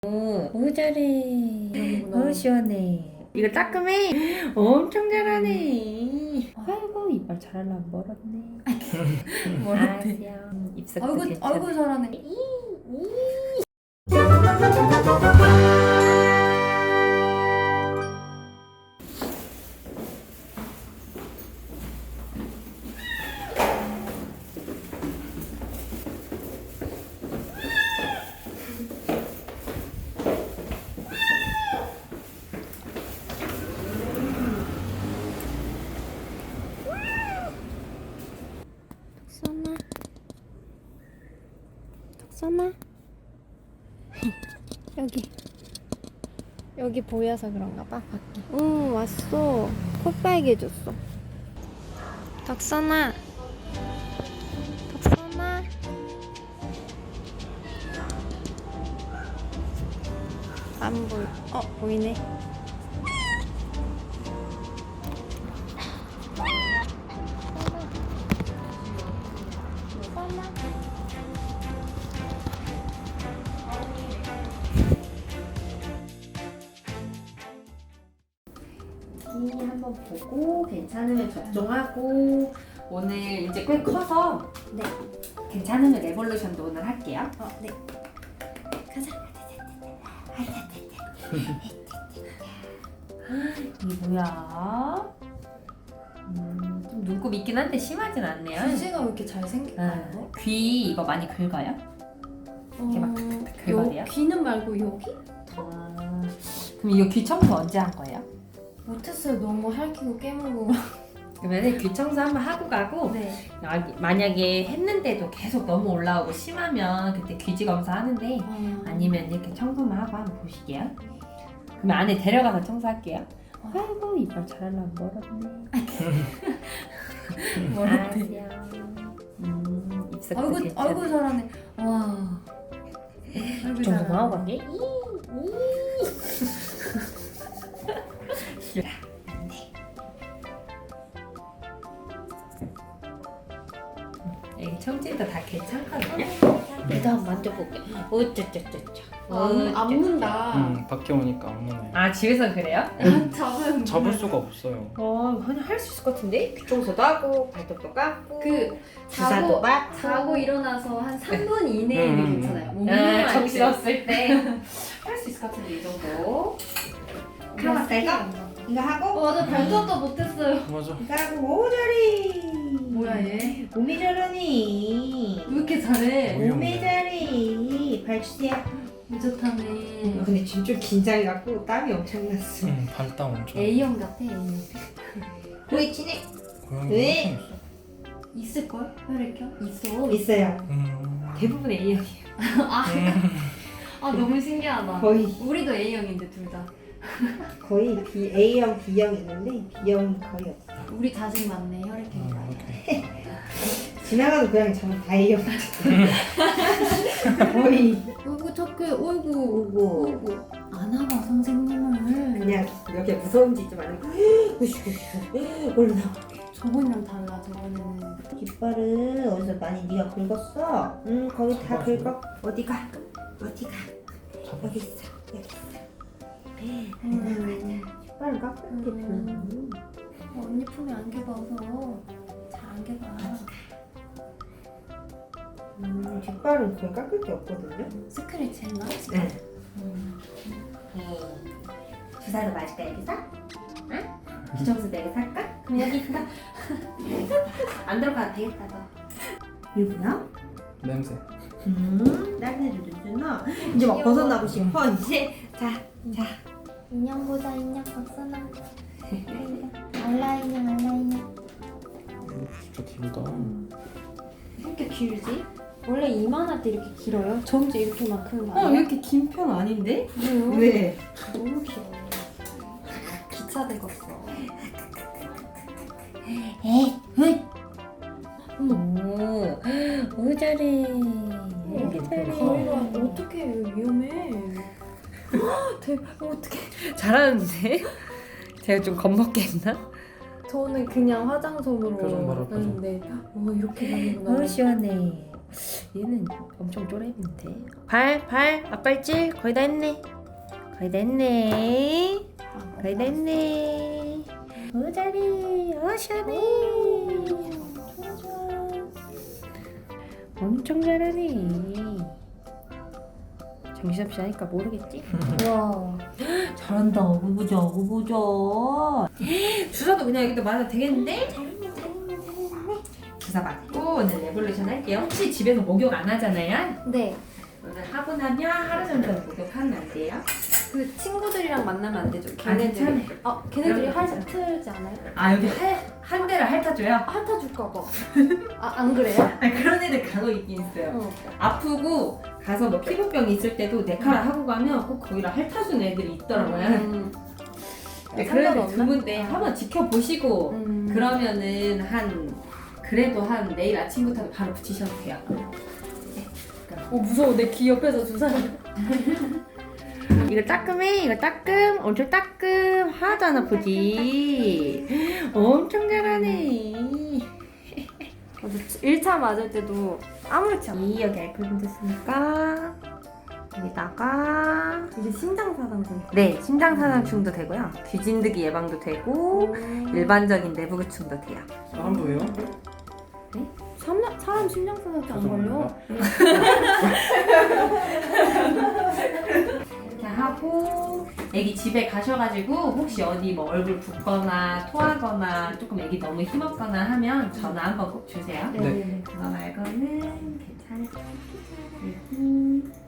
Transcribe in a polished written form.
오 잘해. 시원해. 이거 따끔해. 엄청 잘하네. 아이고 이빨 잘하려면 멀었네. 멀었대. 입속도 아이고 괜찮아. 아이고 잘하네. 덕선아 여기 보여서 그런가 봐 밖에. 응 왔어. 코 빨개졌어. 덕선아 덕선아 안 보여. 보이네. 한번 보고 괜찮으면 접종하고 오늘 이제 꽤 커서 네. 괜찮으면 레볼루션도 오늘 할게요. 네. 가자. 이게 뭐야? 좀 눈곱 있긴 한데 심하진 않네요. 귀지가 왜 이렇게 잘생겼나요? 귀 이거 많이 긁어요? 이렇게 막 긁어요? 귀는 말고 여기? 아, 그럼 이거 귀 청소 언제 한 거예요? 못했어요. 너무 핥히고 깨물고. 그러면 귀 청소 한번 하고 가고 네. 만약에 했는데도 계속 너무 올라오고 심하면 그때 귀지 검사하는데 아니면 이렇게 청소만 하고 한번 보시게요. 그러면 안에 데려가서 청소할게요. 아이고 이빨 잘하려면 멀었네. 멀었대. 입속도 아이고 괜찮아. 아이고 잘하네. 와. 아이고 좀 더 하고 잘하네. 갈게. 싫어. 안 돼. 여기 청진도 다 괜찮거든요. 얘도 한번 만져볼게. 어쩌쩌쩌쩌. 안 문다. 밖에 오니까 안 오네. 아 집에서 그래요? 잡은 잡을 수가 없어요. 그냥 할 수 있을 것 같은데? 귀 청소도 하고 발톱도 깎고 그 주사도 자고 맞고 자고 일어나서 한 3분 이내에는 음. 괜찮아요. 몸이 정신 없을 때 할 수 있을 것 같은데 이 정도. 하나 될까? 이거 하고 맞아 발톱도 못했어요. 맞아. 이거 하고 오 잘해. 뭐야 얘? 몸이 잘하니. 왜 이렇게 잘해? 뭐야? 몸이 잘해. 발 주세요. 무젓하네. 근데 지금 좀 긴장해갖고 땀이 엄청 났어. 발땀 엄청. A형 같아 A형. 왜 친해? 고양이 왜? 엄청 있어. 있을걸? 혈액형? 있어. 있어요. 음. 대부분 A형이에요. 아 너무 신기하다. 거의 우리도 A형인데 둘 다. 거의 A형, B형 있는데 B형이 거의 없어. 우리 자식 맞네 혈액형이. 오케이. 지나가는 고양이 전부 다 A형. 거의 어이구 착해. 어이구. 어이구. 안아봐 선생님을. 그냥 이렇게 무서운 짓 좀 안 하고 얼른 나와. 저번이랑 달라 저번에는. 깃발을 어디서 많이 네가 긁었어? 응 거기 다 잡아줘. 긁어. 어디가? 어디가? 여기 있어. 여기 있어. 깃발을 깎을게 언니 품에 안겨봐서 잘 안겨봐. 깃발은 거의 깎을 게 없거든요. 스크래치 했나? 네. 주사도 맞을까 여기서? 응? 귀청소도 여기서 할까? 그럼 여기 있어. 안 들어가도 되겠다 너. 이거야? 냄새. 딸내도 주나? 이제 막 벗어나고 싶어 이제. 자. 인형 보자 인형 덕선아. 알라 인형. 진짜 길다. 이렇게 길지? 원래 이만할 때 이렇게 길어요? 점점 이렇게만 크는 거 아니야? 이렇게 긴 편 아닌데? 그래요? 왜? 너무 길어. 기차 되겠어. 오 잘해. 이렇게 잘해. 가위가 어떻게 위험해? 대박. 어떡해. 잘하는데? 제가 좀 겁먹게 했나? 저는 그냥 화장솜으로 표정 봐라, 표정. 했는데 이렇게 하는구나. 시원해. 얘는 엄청 쪼렙인데. 발 앞발질 거의 다 했네. 거의 다 했네. 거의 다 했네. 잘해. 시원해. 좋아 좋아. 엄청 잘하네. 정신없이 하니까 모르겠지? 와. 잘한다. 어구부져. 주사도 그냥 여기다 맞아도 되겠는데? 주사 맞고 오늘 레볼루션 할게요. 혹시 집에서 목욕 안 하잖아요? 네. 오늘 하고 나면 하루 정도 목욕하면 안 돼요? 그 친구들이랑 만나면 안 되죠? 괜찮아요. 걔네들이. 걔네들이 그럼 핥지 않아요? 아 여기 한 대를 핥아줘요? 핥아줄까 봐. 안 그래요? 아니, 그런 애들 간혹 있긴 있어요. 아프고 가서 뭐 피부병 있을 때도 네카라 하고 가면 꼭 거기를 핥아주는 애들이 있더라고요. 네, 그래서 두 군데 한번 지켜보시고 그러면은 그래도 한 내일 아침부터 바로 붙이셔도 돼요. 무서워. 내 귀 옆에서 주사를. 이거 따끔해. 이거 따끔. 엄청 따끔. 하나도 안 아프지. 엄청 잘하네. 1차 맞을 때도 아무렇지 않아. 여기 알코올 됐으니까 여기다가 이게 심장사상증. 네, 심장사상충도 되고요. 귀진드기 예방도 되고 일반적인 내부구충도 돼요. 사람도예요? 사람 심장사상증 안 걸려? 이렇게 하고 애기 집에 가셔가지고 혹시 어디 뭐 얼굴 붓거나 토하거나 조금 애기 너무 힘없거나 하면 전화 한번 꼭 주세요. 네. 그거 말고는 괜찮아요. 애기